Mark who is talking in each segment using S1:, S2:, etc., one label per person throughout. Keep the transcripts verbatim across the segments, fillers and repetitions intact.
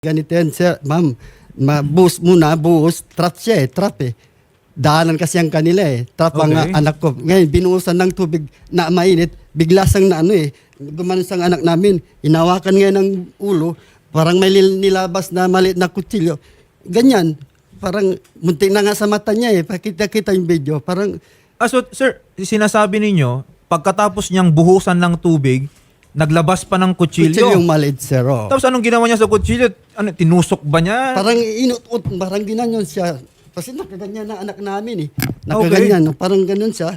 S1: Ganito yan, sir. Ma'am, ma-boost muna, boost. Trap siya eh, trap eh. Daanan kasi ang kanila eh. Trap ang
S2: Okay.
S1: uh, anak ko. Ngayon, binuhusan ng tubig na mainit, bigla sang na ano eh. Gumanon sang anak namin. Inawakan ngayon ng ulo, parang may lil- nilabas na maliit na kutsilyo. Ganyan. Parang muntik na nga sa mata niya eh. Pakita-kita yung video. Parang,
S2: Ah, so, sir, sinasabi ninyo, pagkatapos niyang buhusan ng tubig, naglabas pa ng kutsilyo.
S1: kutsilyong maliit, sir. Oh.
S2: Tapos anong ginawa niya sa kutsilyo? Ano, tinusok ba niya?
S1: Parang inut-ut, parang ginanyon siya. Kasi nakaganyan na anak namin eh. Nakaganyan, parang ganun siya.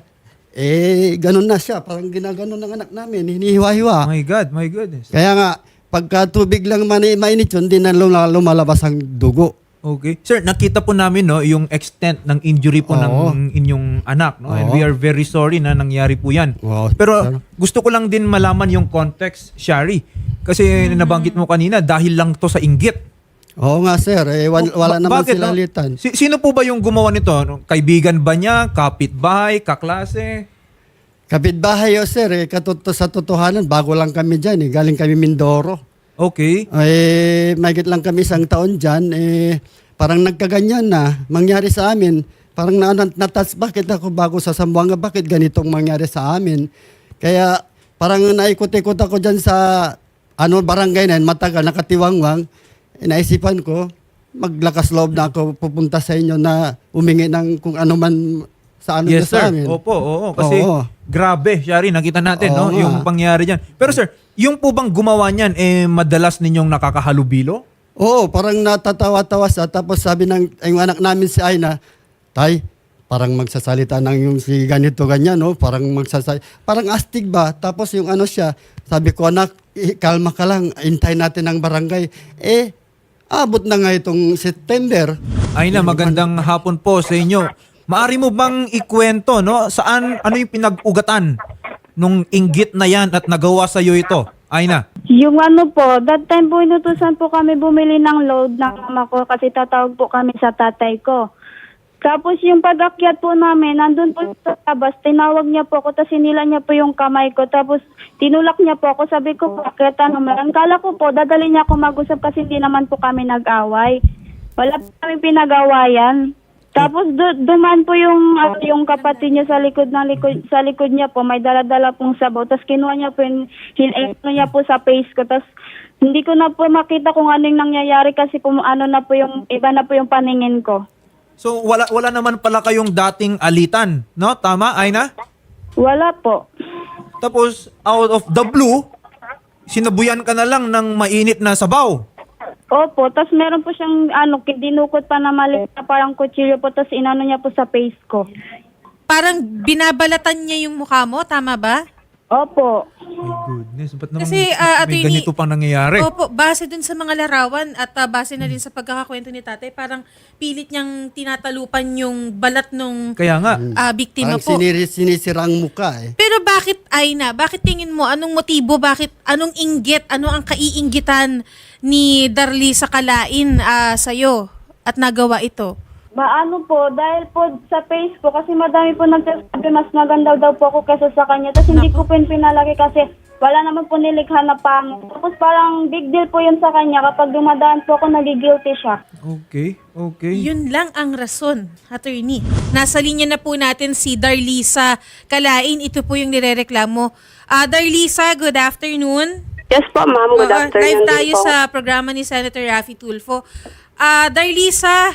S1: Eh, ganun na siya. Parang ginaganon ng anak namin. Hinihiwa-hiwa.
S2: My God, my goodness.
S1: Kaya nga, pagka tubig lang mani mainit yun, di na lum- lumalabas ang dugo.
S2: Okay. Sir, nakita po namin no yung extent ng injury po
S1: Oo.
S2: ng inyong anak, no? And
S1: Oo.
S2: we are very sorry na nangyari po 'yan.
S1: Wow,
S2: Pero
S1: sir.
S2: gusto ko lang din malaman yung context, Shari. Kasi nabanggit mo kanina dahil lang to sa inggit.
S1: Oo nga sir, eh, wal- wala
S2: Ba-
S1: naman
S2: bakit,
S1: sila
S2: no?
S1: litan.
S2: Si- sino po ba yung gumawa nito? No? Kaibigan ba niya? Kapitbahay? Kaklase?
S1: Kapitbahay o sir, eh, katuto sa totohanan, bago lang kami dyan eh. Galing kami Mindoro.
S2: Okay.
S1: Eh, mahigit lang kami isang taon dyan, eh, parang nagkaganyan na, mangyari sa amin. Parang na, na, natas, bakit ako bago sa Zamboanga, bakit ganitong mangyari sa amin? Kaya parang naikot-ikot ako dyan sa ano, barangay na yun, matagal, nakatiwangwang. Eh, naisipan ko, maglakas loob na ako pupunta sa inyo na umingi ng kung ano man sa ano
S2: Yes,
S1: niyo sa
S2: sir.
S1: amin.
S2: Opo, oo. Kasi
S1: Oo.
S2: grabe, Shari, nakita natin
S1: Oo
S2: no,
S1: nga.
S2: yung pangyari dyan. Pero sir, yung po bang gumawa niyan, eh, madalas ninyong nakakahalubilo?
S1: Oo, parang natatawa-tawa siya. Tapos sabi ng yung anak namin si Aina, Tay, parang magsasalita ng yung si ganito ganyan, no? Parang magsasalita. Parang astig ba? Tapos yung ano siya, sabi ko, anak, eh, kalma ka lang, intay natin ang barangay. Eh, abot na nga itong September.
S2: Ay na, magandang hapon po sa inyo. Maari mo bang ikwento, no? Saan, ano yung pinag-ugatan nung inggit na yan at nagawa sa iyo ito? Ay na.
S3: Yung ano po, that time po inutusan po kami bumili ng load ng mama ko kasi tatawag po kami sa tatay ko. Tapos yung pag-akyat po namin, nandun po sa labas, tinawag niya po ako, tapos sinila niya po yung kamay ko, tapos tinulak niya po ako, sabi ko, bakit ano man? Kala ko po, dadali niya ako mag-usap kasi hindi naman po kami nag-away. Wala po kami pinag-awayan. Tapos du- duman po yung uh, yung kapatid niya sa likod ng likod sa likod niya po, may dala-dala pong sabaw. Tapos kinuha niya po yung hin- ano niya po sa face ko. Tapos hindi ko na po makita kung anong nangyayari kasi po ano na po yung iba na po yung paningin ko.
S2: So, wala, wala naman pala kayong dating alitan, no? Tama, ay na?
S3: Wala po.
S2: Tapos, out of the blue, sinabuyan ka na lang ng mainit na sabaw.
S3: Opo, tapos meron po siyang ano, dinukot pa na maliit na parang kutsilyo po, tapos inano niya po sa face ko.
S4: Parang binabalatan niya yung mukha mo, tama ba?
S3: Opo.
S2: My goodness, ba't naman
S4: Kasi,
S2: may
S4: ah, attorney-
S2: ganito pang nangyayari?
S4: Opo, base dun sa mga larawan at ah, base na din sa pagkakakwento ni tatay, parang pilit niyang tinatalupan yung balat nung
S2: Kaya nga,
S4: ah, biktima
S1: Parang
S4: po.
S1: siniri, sinisira ang muka eh.
S4: Pero bakit, Aina, bakit tingin mo, anong motibo, bakit, anong inggit, ano ang kaiinggitan ni Darly sa Kalain ah, sa'yo at nagawa ito?
S3: Maano po, dahil po sa face ko, kasi madami po nagsasabi mas maganda daw po ako kaysa sa kanya. Tapos hindi ko po yun pinalaki kasi wala naman po nilikha na pangit. Tapos parang big deal po yun sa kanya. Kapag dumadaan po ako, nagigilty siya.
S2: okay, okay.
S4: Yun lang ang rason, attorney. Nasa linya na po natin si Darlisa Kalain. Ito po yung nirereklamo. Ah, Darlisa, good afternoon.
S5: Yes po, ma'am. Good
S4: Oo,
S5: afternoon
S4: live
S5: din
S4: tayo
S5: po.
S4: sa programa ni Senator Raffy Tulfo. Ah, Darlisa,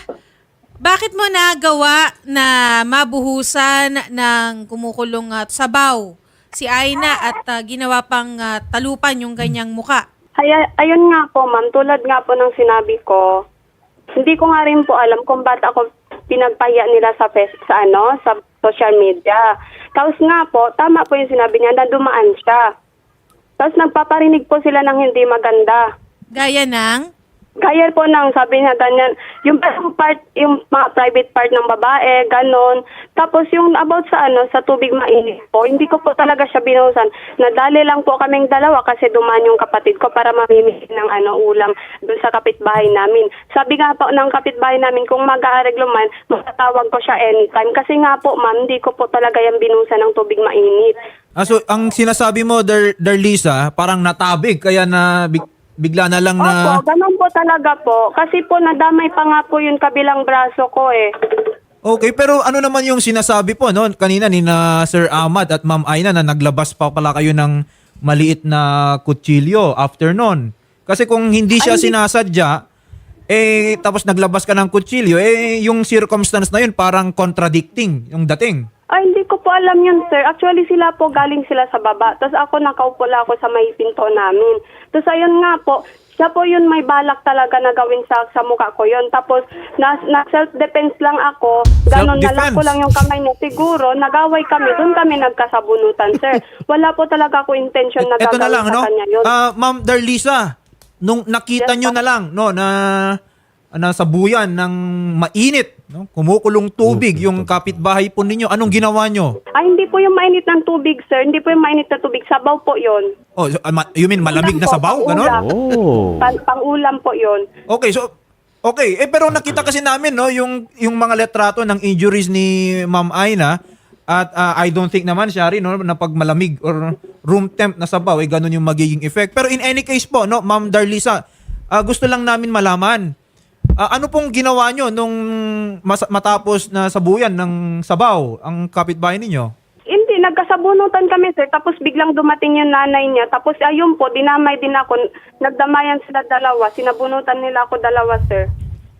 S4: bakit mo nagawa na mabuhusan ng kumukulong at sabaw si Aina at ah, ginawa pang ah, talupan yung ganyang muka?
S5: Ay, ayun nga po, ma'am. Tulad nga po ng sinabi ko, hindi ko nga rin po alam kung ba't ako pinagpahiya nila sa, fest, sa, ano, sa social media. Tapos nga po, tama po yung sinabi niya na dumaan siya. Tapos nagpaparinig po sila ng hindi maganda.
S4: Gaya ng...
S5: Kaya po nang sabi niya ganyan, yung parang part, yung mga private part ng babae, ganon. Tapos yung about sa ano, sa tubig mainit po, hindi ko po talaga siya binuhusan. Nadali lang po kaming dalawa kasi dumaan yung kapatid ko para mamimili ng ano, ulam doon sa kapitbahay namin. Sabi nga po ng kapitbahay namin, kung mag-aareglo man, matatawag ko siya anytime. Kasi nga po, ma'am, hindi ko po talaga yung binuhusan ng tubig mainit.
S2: Ah, so, ang sinasabi mo, Dar Darlisa, parang natabig, kaya na bik- bigla na lang na...
S5: Opo, ganun po talaga po. Kasi po nadamay pa nga po yung kabilang braso ko eh.
S2: Okay, pero ano naman yung sinasabi po no kanina ni na Sir Ahmad at Ma'am Aina na naglabas pa pala kayo ng maliit na kutsilyo after nun? Kasi kung hindi siya sinasadya, eh tapos naglabas ka ng kutsilyo, eh yung circumstance na yun parang contradicting yung dating.
S5: Ay, hindi ko po alam yun, sir. Actually, sila po galing sila sa baba. Tapos ako, nakaupo lang ako sa may pinto namin. Tapos ayun nga po, siya po yun may balak talaga na gawin sa, sa mukha ko yun. Tapos, na, na self-defense lang ako. Ganon na lang
S2: Self-defense?
S5: ko lang yung kamay niya. Siguro, nagaway kami. Doon kami nagkasabunutan, sir. Wala po talaga ako intention na
S2: Ito na
S5: gagawin
S2: lang,
S5: sa
S2: no?
S5: kanya yun.
S2: Ah, Ma'am Darlisa, nung nakita
S5: Yes,
S2: nyo
S5: ma'am.
S2: na lang, no, na nasa buyan ng mainit, no, kumukulong tubig yung kapitbahay po ninyo, anong ginawa nyo?
S5: Ay, hindi po yung mainit ng tubig, sir. Hindi po yung mainit na tubig. Sabaw po yun.
S2: Oh, so, ah, ma- you mean malamig na
S5: Ulam po,
S2: sabaw? Ganon?
S5: pang-ulam.
S6: Oh.
S5: Pan- pang-ulam po yun.
S2: Okay, so okay, eh pero nakita kasi namin no yung yung mga letrato ng injuries ni Ma'am Aina at ah, I don't think naman siya rin no na pag malamig or room temp na sabaw eh ganun yung magiging effect. Pero in any case po no, Ma'am Darlisa, ah, gusto lang namin malaman ah, ano pong ginawa nyo nung mas- matapos na sabuyan ng sabaw ang kapitbahay ninyo?
S5: Hindi, nagkasabunutan kami, sir. Tapos biglang dumating yung nanay niya. Tapos ayun po, dinamay din ako. Nagdamayan sila dalawa. Sinabunutan nila ako dalawa, sir.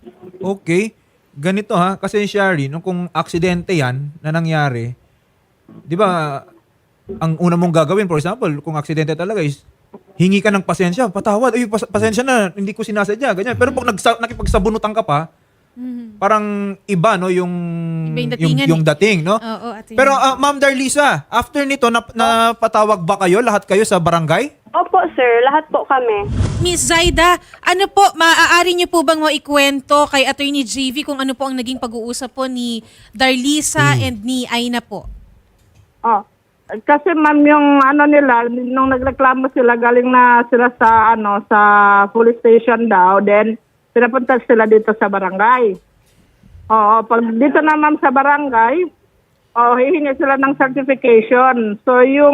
S2: Okay. Ganito ha, kasi Shari, no, kung aksidente yan na nangyari, di ba, ang una mong gagawin, for example, kung aksidente talaga is, hingi ka ng pasensya, patawad, ay, pas- pasensya na, hindi ko sinasadya, ganyan. Pero pag nagsa- nakipagsabunutan ka pa, parang iba, no, yung,
S4: Iba yung
S2: yung,
S4: datingan
S2: yung
S4: eh.
S2: dating, no?
S4: Oo, ate.
S2: Pero, ah, Ma'am Darlisa, after nito, nap- napatawag ba kayo, lahat kayo sa barangay?
S5: Opo, sir. Lahat po kami.
S4: Miss Zaida, ano po, maaari niyo po bang maikwento kay Attorney J V kung ano po ang naging pag-uusap po ni Darlisa and ni Aina po?
S7: Oh, kasi ma'am yung ano nila, nung nagreklamo sila, galing na sila sa ano sa police station daw, then pinapunta sila dito sa barangay. Oo, pag dito na ma'am sa barangay, oh, hihingi sila ng certification. So yung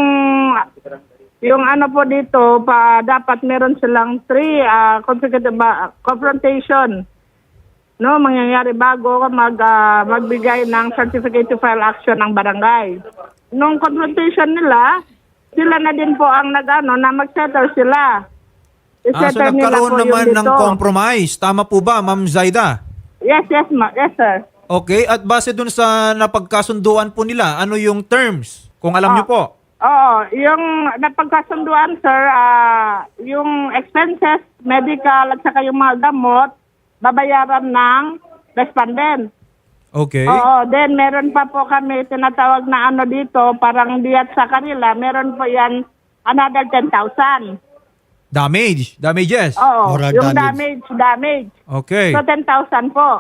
S7: yung ano po dito, pa dapat meron silang three uh, consecutive ba, confrontation. No, mangyayari bago mag ah, magbigay ng certificate to file action ng barangay. Nung confrontation nila, sila na din po ang nag-ano na mag-settle sila.
S2: Ah, so
S7: I-settle nila
S2: nagkaroon
S7: po yung
S2: naman ng
S7: dito.
S2: compromise. Tama po ba, Ma'am Zaida?
S7: Yes, yes, ma. Yes, sir.
S2: Okay, at base dun sa napagkasunduan po nila, ano yung terms? Kung alam
S7: Ah.
S2: niyo po.
S7: Oo, yung napagkasunduan, sir, ah, yung expenses, medical, at saka yung mga gamot, babayaran ng respondent.
S2: Okay.
S7: Oo, then meron pa po kami tinatawag na ano dito, parang diyat sa kanila, meron po yan another ten thousand.
S2: Damage. Damages.
S7: Oo,
S1: Moral
S7: yung
S1: damage.
S7: damage, damage.
S2: Okay.
S7: So ten thousand po.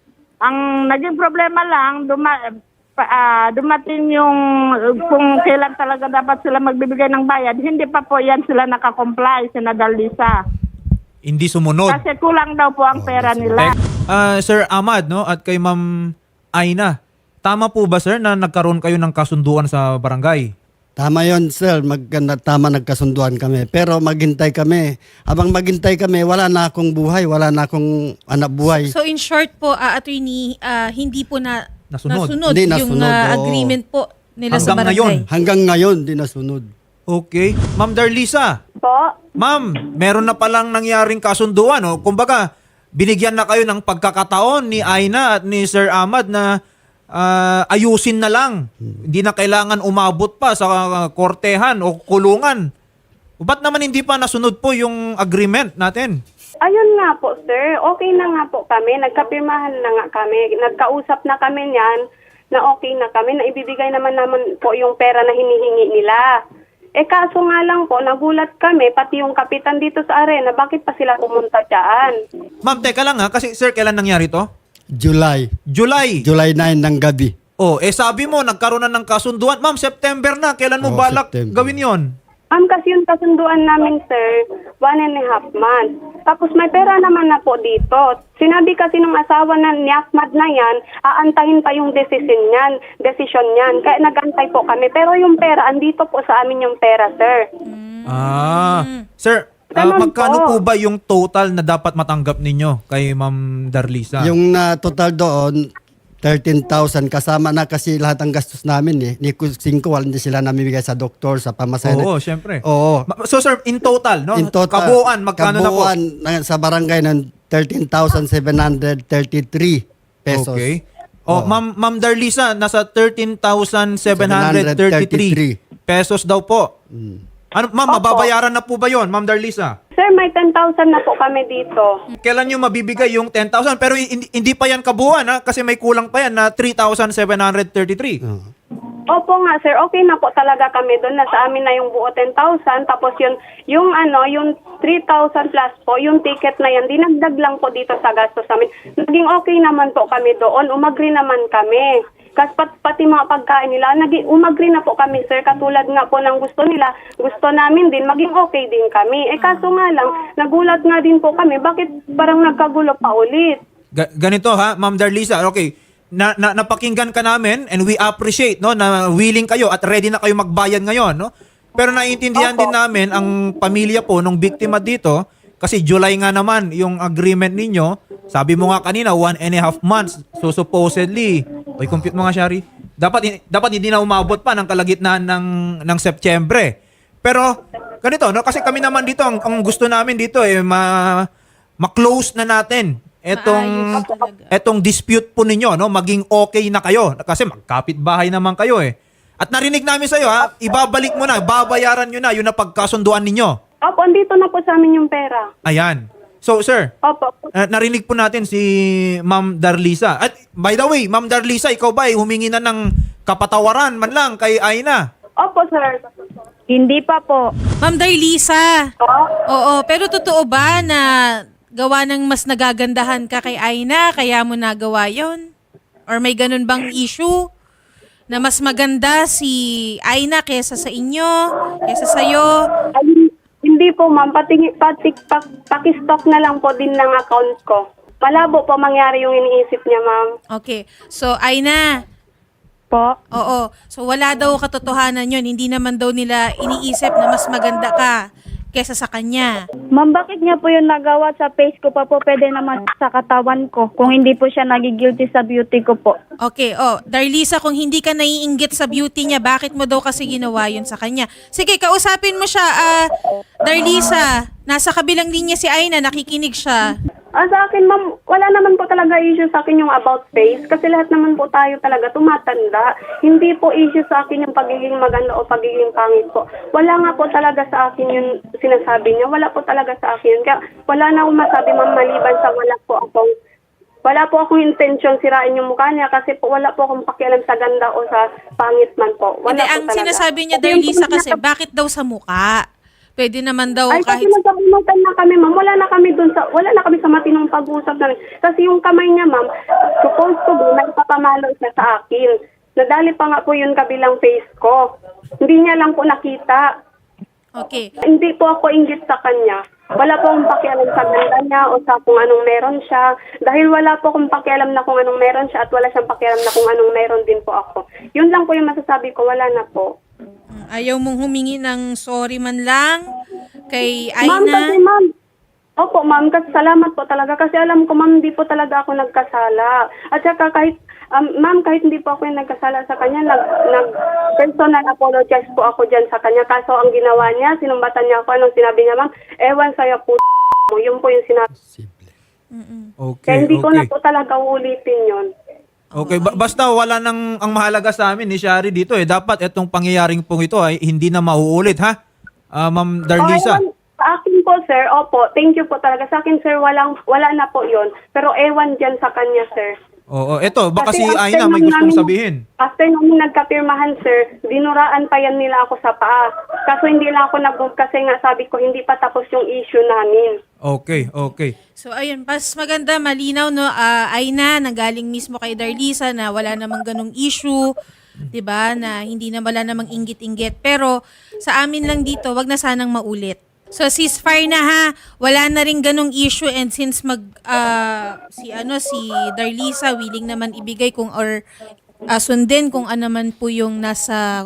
S7: Ang naging problema lang, duma, pa- ah, dumating yung uh, kung kailan talaga dapat sila magbibigay ng bayad, hindi pa po yan sila nakakomply, sina Darlisa.
S2: Hindi sumunod.
S7: Kasi kulang daw po ang pera nila.
S2: Ah, Sir Ahmad, no, at kay Ma'am Aina, tama po ba sir na nagkaroon kayo ng kasunduan sa barangay?
S1: Tama yon sir. Maganda, tama nagkasunduan kami. Pero maghintay kami. Habang maghintay kami, wala na akong buhay. Wala na akong anak buhay.
S4: So in short po, uh, Attorney, ah, hindi po na
S2: Nasunod.
S1: Hindi
S4: yung
S1: nasunod,
S4: ah,
S1: oo.
S4: agreement po nila sa
S2: Hanggang
S4: barangay.
S2: ngayon.
S1: Hanggang ngayon, di nasunod.
S2: Okay. Ma'am Darlisa,
S5: Po?
S2: ma'am, meron na palang nangyaring kasunduan. No? Kumbaga, binigyan na kayo ng pagkakataon ni Aina at ni Sir Ahmad na ah, ayusin na lang. Hindi na kailangan umabot pa sa ah, kortehan o kulungan. Ba't naman hindi pa nasunod po yung agreement natin?
S5: Ayun nga po, sir. Okay na nga po kami. Nagkapirmahan na nga kami. Nagkausap na kami niyan na okay na kami. Na ibibigay naman naman po yung pera na hinihingi nila. Eh kaso nga lang po, nagulat kami, pati yung kapitan dito sa arena, bakit pa sila pumunta dyan?
S2: Ma'am, teka lang ha, kasi sir, kailan nangyari to?
S1: July.
S2: July.
S1: July nine ng gabi.
S2: Oh, eh sabi mo, nagkaroon na ng kasunduan. Ma'am, September na. Kailan mo
S1: Oh,
S2: balak
S1: September.
S2: gawin yon?
S5: Ma'am, kasi yung kasunduan namin, sir, one and a half months. Tapos may pera naman na po dito. Sinabi kasi ng asawa na ni Ahmad na yan, aantahin pa yung decision niyan, decision niyan. Kaya nagantay po kami. Pero yung pera, andito po sa amin yung pera, sir.
S2: Ah. Sir, Ah,
S5: Ganun
S2: magkano po
S5: po.
S2: ba yung total na dapat matanggap ninyo kay Ma'am Darlisa?
S1: Yung na total doon, thirteen thousand. Kasama na kasi lahat ng gastos namin eh. Ni Kusingko, hindi sila namimigay sa doktor, sa pamasahe.
S2: Oo, syempre.
S1: Oo.
S2: Ma- So sir, in total, no?
S1: In total,
S2: Kabuuan, magkano
S1: kabuuan
S2: na
S1: na sa barangay ng thirteen thousand seven hundred thirty-three
S2: po?
S1: pesos.
S2: Okay. Oh,
S1: Oo.
S2: Ma'am Ma'am Darlisa, nasa thirteen thousand seven hundred thirty-three pesos daw po.
S1: Mm.
S2: Ano, ma'am,
S5: Opo.
S2: mababayaran na po ba 'yon, Ma'am Darlisa?
S5: Sir, may ten thousand na po kami dito.
S2: Kailan nyo mabibigay yung ten thousand? Pero hindi, hindi pa yan kabuuan, ha? Kasi may kulang pa yan na three thousand seven hundred thirty-three.
S1: Oo.
S5: Opo nga, sir. Okay na po talaga kami doon. Nasa amin na yung buo ten thousand. Tapos yun, yung ano, yung three thousand plus po, yung ticket na yan, dinagdag lang po dito sa gastos namin. Naging okay naman po kami doon. Umagri naman kami. Kasi pat, pati mga pagkain nila, naging, umagri na po kami, sir. Katulad nga po ng gusto nila, gusto namin din, maging okay din kami. Eh kaso nga lang, nagulat nga din po kami. Bakit parang nagkagulo pa ulit?
S2: Ga- ganito ha, Ma'am Darlisa, okay. Na, na napakinggan ka namin and we appreciate no na willing kayo at ready na kayo magbayad ngayon, no? Pero naiintindihan
S5: Opo.
S2: din namin ang pamilya po nung biktima dito kasi July nga naman yung agreement ninyo. Sabi mo nga kanina one and a half months. So supposedly, oy compute mo nga Shari. Dapat dapat hindi na umabot pa ng kalagitnaan ng ng Setyembre. Pero ganito, no? Kasi kami naman dito ang, ang gusto namin dito eh ma ma-close na natin etong
S4: Maayos talaga.
S2: etong dispute po ninyo, no, maging okay na kayo kasi magkapit-bahay naman kayo eh. At narinig namin sa iyo ha, ibabalik mo na, babayaran niyo na yung napagkasunduan ninyo.
S5: Opo, andito na po sa amin yung pera.
S2: Ayan. So sir,
S5: Opo.
S2: uh, narinig po natin si Ma'am Darlisa. At by the way, Ma'am Darlisa, ikaw ba ay humingi na ng kapatawaran man lang kay Aina?
S5: Opo, sir.
S3: Hindi pa po.
S4: Ma'am Darlisa.
S5: Oo.
S4: Oo, pero totoo ba na gawa ng mas nagagandahan ka kay Aina, kaya mo nagawa yon? Or may ganun bang issue na mas maganda si Aina kesa sa inyo, kesa sa'yo?
S5: Ay, hindi po, ma'am. Pati, pati, pak, pakistock na lang po din ng account ko. Malabo po mangyari yung iniisip niya, ma'am.
S4: Okay. So, Aina,
S3: Po.
S4: oo. So, wala daw katotohanan yon. Hindi naman daw nila iniisip na mas maganda ka kesa sa kanya.
S3: Ma'am, bakit niya po yung nagawa sa face ko pa po? Pwede naman sa katawan ko. Kung hindi po siya nagigilty sa beauty ko po.
S4: Okay, oh, Darlisa, kung hindi ka naiinggit sa beauty niya, bakit mo daw kasi ginawa yun sa kanya? Sige, kausapin mo siya. Ah, Darlisa, nasa kabilang linya si Aina, nakikinig siya.
S5: Ah, sa akin, ma'am, wala naman po talaga issue sa akin yung about face kasi lahat naman po tayo talaga tumatanda. Hindi po issue sa akin yung pagiging maganda o pagiging pangit po. Wala nga po talaga sa akin yung sinasabi niya. Wala po talaga sa akin yun. Kaya wala na akong masabi, ma'am, maliban sa wala po akong wala po akong intention sirain yung mukha niya kasi po wala po akong pakialam sa ganda o sa pangit man po. Wala
S4: Hindi,
S5: po
S4: ang
S5: talaga.
S4: sinasabi niya,
S5: Kasi yung
S4: Darlisa,
S5: po
S4: kasi
S5: nasa-
S4: bakit daw sa muka? Pwede naman daw
S5: Ay,
S4: kahit...
S5: kasi nagkabunutan na kami, ma'am. Wala na kami dun sa, wala na kami sa matinong pag-usap namin. Kasi yung kamay niya, ma'am, supposed to be, may papamalo siya sa akin. Nadali pa nga po yung kabilang face ko. Hindi niya lang po nakita.
S4: Okay.
S5: Hindi po ako inggit sa kanya. Wala po akong pakialam sa ganda niya o sa kung anong meron siya. Dahil wala po akong pakialam na kung anong meron siya at wala siyang pakialam na kung anong meron din po ako. Yun lang po yung masasabi ko. Wala na po.
S4: Ayaw mong humingi ng sorry man lang kay
S5: Ma'am, kasi
S4: Aina?
S5: ma'am, opo ma'am, kasi salamat po talaga kasi alam ko ma'am, hindi po talaga ako nagkasala. At saka kahit, um, ma'am, kahit hindi po ako yung nagkasala sa kanya, nag, nag personal apologize po ako dyan sa kanya. Kaso ang ginawa niya, sinumbatan niya ako, anong sinabi niya ma'am, ewan sa'yo po mo, yun po yung sinabi.
S1: Simple.
S2: Okay,
S5: Kaya hindi ko na
S2: okay.
S5: po talaga uulitin yun.
S2: Okay, ba- basta wala nang ang mahalaga sa amin ni Shari dito eh. Dapat itong pangyayaring pong ito ay hindi na mauulit, ha? Ah, Ma'am Darlisa.
S5: Oh, ewan, sa akin po, sir, opo, thank you po talaga. Sa akin, sir, walang, wala na po yun. Pero ewan dyan sa kanya, sir.
S2: Oo, eto, baka si
S5: Kasi after
S2: Aina may
S5: nung
S2: gustong
S5: namin-
S2: sabihin.
S5: After namin nagkapirmahan, sir, dinuraan pa yan nila ako sa paa. Kaso hindi lang ako nag kasi nga sabi ko, hindi pa tapos yung issue namin.
S2: Okay, okay.
S4: So ayun, pas maganda, malinaw no, ah, Aina, nanggaling mismo kay Darlisa na wala namang ganong issue, 'di ba? Na hindi na wala namang inggit-inggit. Pero sa amin lang dito, wag na sanang maulit. So ceasefire na ha. Wala na ring ganong issue and since mag ah, si ano si Darlisa willing naman ibigay kung or ah, sundin kung ano man po yung nasa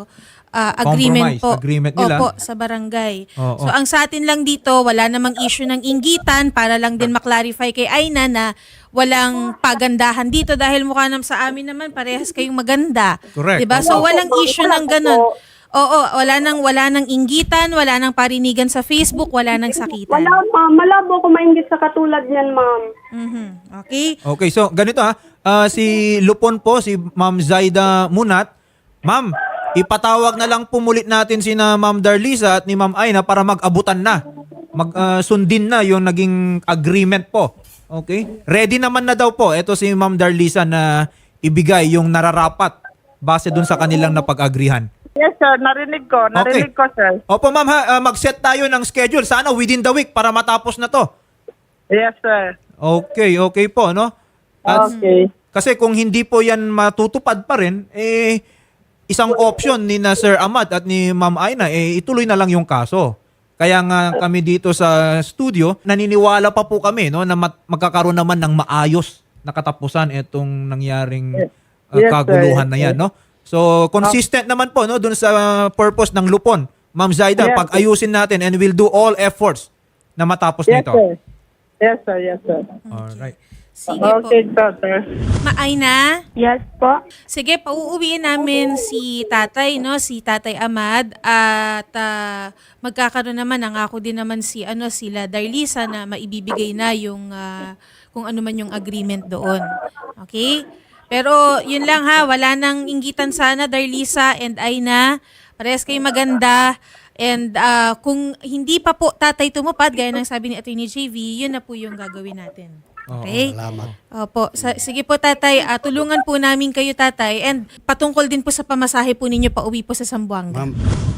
S4: ah, agreement
S2: Compromise,
S4: po.
S2: agreement nila.
S4: Opo, sa barangay.
S2: Oo.
S4: So ang sa atin lang dito, wala namang issue ng inggitan para lang din maklarify kay Aina na walang pagandahan dito dahil mukha naman sa amin naman parehas kayong maganda.
S2: Correct.
S4: 'Di ba? So walang issue ng ganun. Oo, wala nang wala nang inggitan, wala nang parinigan sa Facebook, wala nang sakitan.
S5: Wala, ma'am. Malabo ko mainggit sa katulad niyan, ma'am.
S4: Mhm. Okay?
S2: Okay, so ganito ha. Ah, si Lupon po, si Ma'am Zaida Munat. Ma'am, ipatawag na lang pumulit natin si na Ma'am Darlisa at ni Ma'am Aina para mag-abutan na. Mag-sundin na yung naging agreement po. Okay? Ready naman na daw po. Ito si Ma'am Darlisa na ibigay yung nararapat base dun sa kanilang napag-agrihan.
S7: Yes, sir. Narinig ko. Narinig ko, sir.
S2: Opo ma'am ha, ah, mag-set tayo ng schedule. Sana within the week para matapos na to.
S7: Yes, sir.
S2: Okay, okay po, no? At
S7: Okay.
S2: kasi kung hindi po yan matutupad pa rin, eh, isang option ni na Sir Ahmad at ni Ma'am Aina, eh, ituloy na lang yung kaso. Kaya nga kami dito sa studio, naniniwala pa po kami no, na mat- magkakaroon naman ng maayos na katapusan itong nangyaring uh,
S7: Yes, sir.
S2: kaguluhan na yan. No? So, consistent naman po no, dun sa purpose ng Lupon. Ma'am Zaida,
S7: Yes,
S2: pag-ayusin natin and we'll do all efforts na matapos
S7: Yes,
S2: nito.
S7: sir. Yes, sir. Yes, sir.
S2: Alright.
S4: Sige
S7: Okay,
S4: po.
S7: sir.
S4: Maaina?
S3: Yes po.
S4: Sige, pauuwiin namin si tatay, no? Si Tatay Ahmad at ah, magkakaroon naman, nangako din naman si ano sila Darlisa na maibibigay na yung ah, kung ano man yung agreement doon. Okay? Pero yun lang ha, wala nang inggitan sana Darlisa and Aina. Parehas kayo maganda. And ah, kung hindi pa po tatay tumupad, gaya ng sabi ni Attorney J V, yun na po yung gagawin natin. Okay?
S1: Salamat.
S4: Opo. Sa, sige po tatay, ah, tulungan po namin kayo tatay and patungkol din po sa pamasahe po ninyo pa uwi po sa Zamboanga.
S1: Ma'am,